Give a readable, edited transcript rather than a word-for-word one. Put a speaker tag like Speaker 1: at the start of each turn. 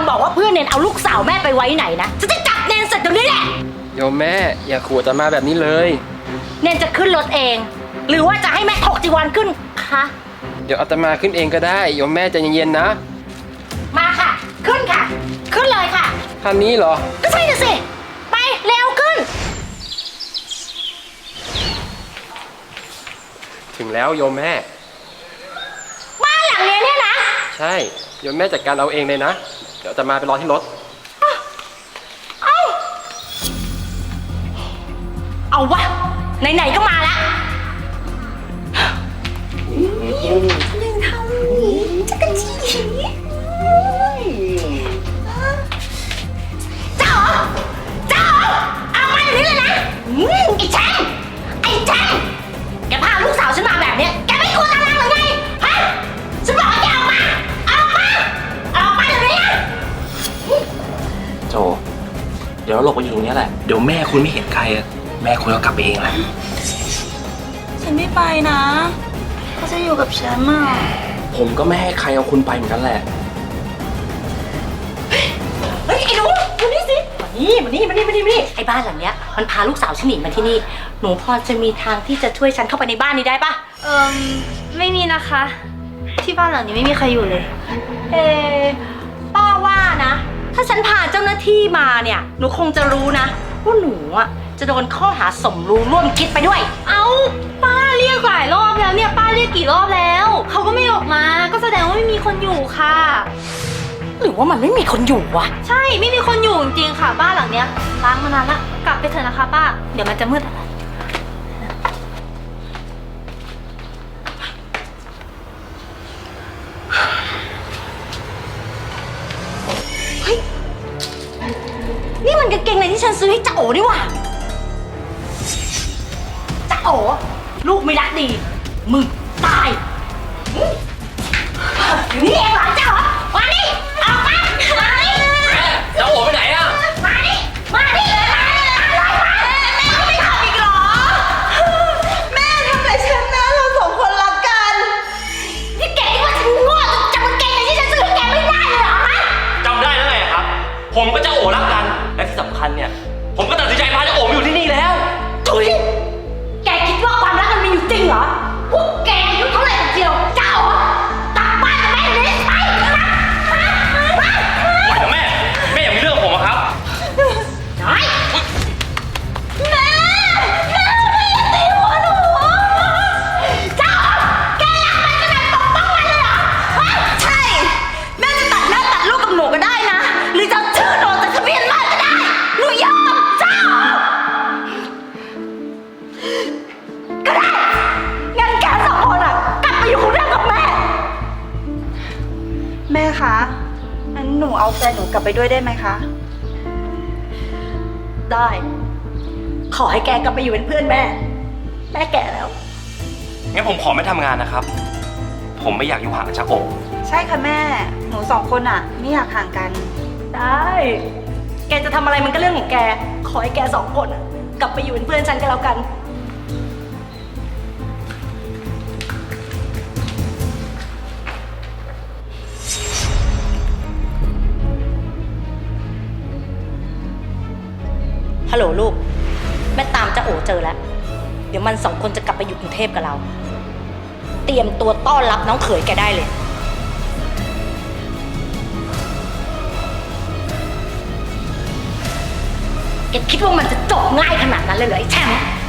Speaker 1: บอกว่าเพื่อนเนนเอาลูกสาวแม่ไปไว้ไหนนะฉันจะจับเนนเสร็จตรงนี้แหละ
Speaker 2: โยมแม่อย่าขู่อาตมาแบบนี้เลย
Speaker 1: เนนจะขึ้นรถเอง หรือว่าจะให้แม่ถกจีวรขึ้นคะ
Speaker 2: เดี๋ยวอาตมาขึ้นเองก็ได้โยมแม่ใจเย็นๆนะ
Speaker 1: มาค่ะ ขึ้นค่ะ ขึ้นเลยค่ะ
Speaker 2: คันนี้เหรอ
Speaker 1: ก็ใช่น่ะสิไปเร็วขึ้น
Speaker 2: ถึงแล้วโยมแม่
Speaker 1: บ้านหลังเนี้ยเนี่ยนะ
Speaker 2: ใช่โยมแม่จัดการเอาเองเลยนะเดี๋ยวอาตมาไปรอที่รถ
Speaker 1: เอาวะไหนๆก็มาละหนึ่งเท่านี้จักรจีเจ้าเอามาอย่างนี้เลยนะไอ้แช่งแกพาลูกสาวฉันมาแบบเนี้ยแกไม่ควรอะไรหรือไงฮะฉันบอกให้แกออกมาเดี๋ยวนี้นะ
Speaker 3: โจเดี๋ยวเราหลบไปอยู่ตรงนี้แหละเดี๋ยวแม่คุณไม่เห็นใครอะแม่คุณก็กลับไปเองแหละ
Speaker 4: ฉันไม่ไปนะเขาจะอยู่กับฉันอ่ะ
Speaker 3: ผมก็ไม่ให้ใครเอาคุณไปเหมือนกันแหละ
Speaker 1: เฮ้ยไอ้หนูมานี่สิมานี่ไอ้บ้านหลังเนี้ยมันพาลูกสาวฉันหนีมาที่นี่หนูพอจะมีทางที่จะช่วยฉันเข้าไปในบ้านนี้ได้ปะ
Speaker 4: ไม่มีนะคะ ที่บ้านหลังนี้ไม่มีใครอยู่เลย
Speaker 1: ป้าว่านะ ถ้าฉันพาเจ้าหน้าที่มาเนี่ยหนูคงจะรู้นะว่าหนูอ่ะจะโดนข้อหาสมรู้ร่วมคิดไปด้วย
Speaker 4: เอาป้าเรียกหลายรอบแล้วเนี่ยป้าเรียกกี่รอบแล้วเขาก็ไม่ออกมาก็แสดงว่าไม่มีคนอยู่ค่ะ
Speaker 1: หรือว่ามันไม่มีคนอยู่วะ
Speaker 4: ใช่ไม่มีคนอยู่จริงๆค่ะบ้านหลังเนี้ยล้างมานานละกลับไปเถอะนะคะป้าเดี๋ยวมันจะมืด
Speaker 1: นี่มันกางเกงในที่ฉันซื้อให้จ่าโอนี่หว่าจ่าโอลูกไม่รักดีมึงตายอยู่นี่เองเหรอจ่าโอมาดิออกมา
Speaker 3: จะโอไปไหนอะ
Speaker 1: มาดิไม่ทำอีกเหรอแม่ทำอะไรฉันนะเราสองคนรักกันนี่แกคิดว่าฉันโง่จนจำกางเกงในที่ฉันซื้อให้แกไม่ได้เลยเหรอฮะ
Speaker 3: จำได้แล้วไงครับ ผมก็จะโอรักกันและที่สำคัญเนี่ยผมก็ตัดสินใจพาจะโอมาอยู่ที่นี่แล้ว
Speaker 1: ถุยแกคิดว่าความรักมันมีอยู่จริงเหรอพวกแกอายุเท่าไหร่กันเชียวเจ้าเหรอกลับบ้านกับแม่เลยไป
Speaker 3: ปล่อยนะแม่อย่ามีเรื่องผมอะครับ
Speaker 1: ได้แม่ไม่อยากตีหัวหนูเจ้าแกรักมันขนาดปกป้องมันเลยเหรอใช่แม่จะตัดหน้าตัดลูกกับหนูก็ได้นะหรือจะเอาชื่อหนูจากทะเบียนบ้านก็ได้หนูยอมเจ้าก็ได้งั้นแกสองคนอ่ะกลับไปอยู่กรุงเทพกับแม่
Speaker 5: แม่คะงั้นหนูเอาแฟนหนูกลับไปด้วยได้ไหมคะ
Speaker 1: ได้ ขอให้แกกลับไปอยู่เป็นเพื่อนแม่ แม่แก่แล้ว
Speaker 3: งั้นผมขอไม่ทำงานนะครับ ผมไม่อยากอยู่ห่างจากโอ
Speaker 5: ใช่ค่ะแม่ หนูสองคนอะไม่อยากห่างกัน
Speaker 1: ได้ แกจะทำอะไรมันก็เรื่องของแก ขอให้แกสองคนอะกลับไปอยู่เป็นเพื่อนฉันก็แล้วกัน ฮัลโหลลูก แม่ตามจะโอเจอแล้ว เดี๋ยวมันสองคนจะกลับไปอยู่กรุงเทพกับเรา เตรียมตัวต้อนรับน้องเขยแกได้เลย แกคิดว่ามันจะจบง่ายขนาดนั้นเลยเหรอไอ้แชมป์